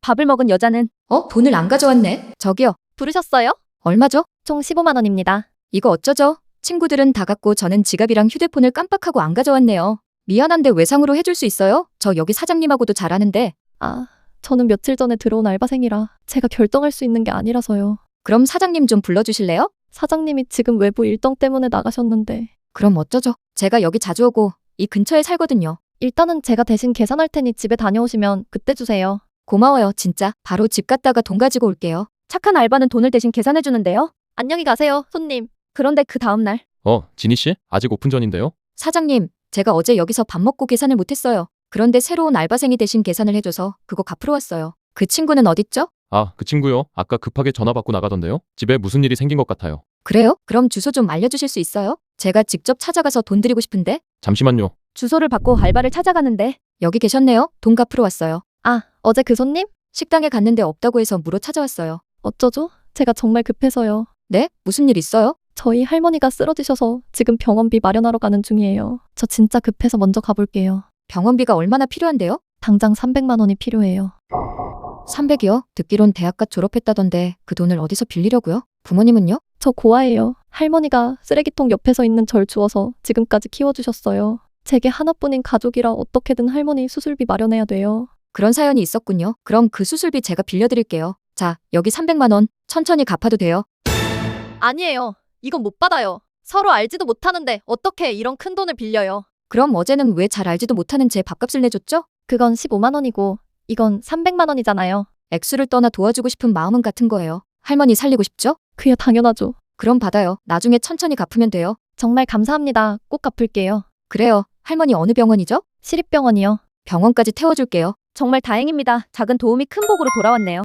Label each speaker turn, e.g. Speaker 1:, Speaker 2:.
Speaker 1: 밥을 먹은 여자는
Speaker 2: 돈을 안 가져왔네. 저기요.
Speaker 1: 부르셨어요?
Speaker 2: 얼마죠?
Speaker 1: 총 15만 원입니다.
Speaker 2: 이거 어쩌죠? 친구들은 다 갖고 저는 지갑이랑 휴대폰을 깜빡하고 안 가져왔네요. 미안한데 외상으로 해줄 수 있어요? 저 여기 사장님하고도 잘 아는데.
Speaker 1: 저는 며칠 전에 들어온 알바생이라 제가 결정할 수 있는 게 아니라서요.
Speaker 2: 그럼 사장님 좀 불러주실래요?
Speaker 1: 사장님이 지금 외부 일정 때문에 나가셨는데
Speaker 2: 그럼 어쩌죠? 제가 여기 자주 오고 이 근처에 살거든요.
Speaker 1: 일단은 제가 대신 계산할 테니 집에 다녀오시면 그때 주세요.
Speaker 2: 고마워요, 진짜. 바로 집 갔다가 돈 가지고 올게요.
Speaker 1: 착한 알바는 돈을 대신 계산해주는데요. 안녕히 가세요, 손님. 그런데 그 다음날
Speaker 3: 지니 씨? 아직 오픈 전인데요?
Speaker 2: 사장님, 제가 어제 여기서 밥 먹고 계산을 못했어요. 그런데 새로운 알바생이 대신 계산을 해줘서 그거 갚으러 왔어요. 그 친구는 어딨죠?
Speaker 3: 그 친구요. 아까 급하게 전화 받고 나가던데요. 집에 무슨 일이 생긴 것 같아요.
Speaker 2: 그래요? 그럼 주소 좀 알려주실 수 있어요? 제가 직접 찾아가서 돈 드리고 싶은데.
Speaker 3: 잠시만요.
Speaker 1: 주소를 받고 알바를 찾아가는데
Speaker 2: 여기 계셨네요. 돈 갚으러 왔어요.
Speaker 1: 어제 그 손님?
Speaker 2: 식당에 갔는데 없다고 해서 물어 찾아왔어요.
Speaker 1: 어쩌죠? 제가 정말 급해서요.
Speaker 2: 네? 무슨 일 있어요?
Speaker 1: 저희 할머니가 쓰러지셔서 지금 병원비 마련하러 가는 중이에요. 저 진짜 급해서 먼저 가볼게요.
Speaker 2: 병원비가 얼마나 필요한데요?
Speaker 1: 당장 300만 원이 필요해요.
Speaker 2: 300이요? 듣기론 대학가 졸업했다던데 그 돈을 어디서 빌리려고요? 부모님은요?
Speaker 1: 저 고아예요. 할머니가 쓰레기통 옆에서 있는 절 주워서 지금까지 키워주셨어요. 제게 하나뿐인 가족이라 어떻게든 할머니 수술비 마련해야 돼요.
Speaker 2: 그런 사연이 있었군요. 그럼 그 수술비 제가 빌려드릴게요. 자, 여기 300만 원. 천천히 갚아도 돼요.
Speaker 1: 아니에요. 이건 못 받아요. 서로 알지도 못하는데 어떻게 이런 큰 돈을 빌려요.
Speaker 2: 그럼 어제는 왜 잘 알지도 못하는 제 밥값을 내줬죠?
Speaker 1: 그건 15만 원이고 이건 300만 원이잖아요.
Speaker 2: 액수를 떠나 도와주고 싶은 마음은 같은 거예요. 할머니 살리고 싶죠?
Speaker 1: 그야 당연하죠.
Speaker 2: 그럼 받아요. 나중에 천천히 갚으면 돼요.
Speaker 1: 정말 감사합니다. 꼭 갚을게요.
Speaker 2: 그래요. 할머니 어느 병원이죠?
Speaker 1: 시립병원이요.
Speaker 2: 병원까지 태워줄게요.
Speaker 1: 정말 다행입니다. 작은 도움이 큰 복으로 돌아왔네요.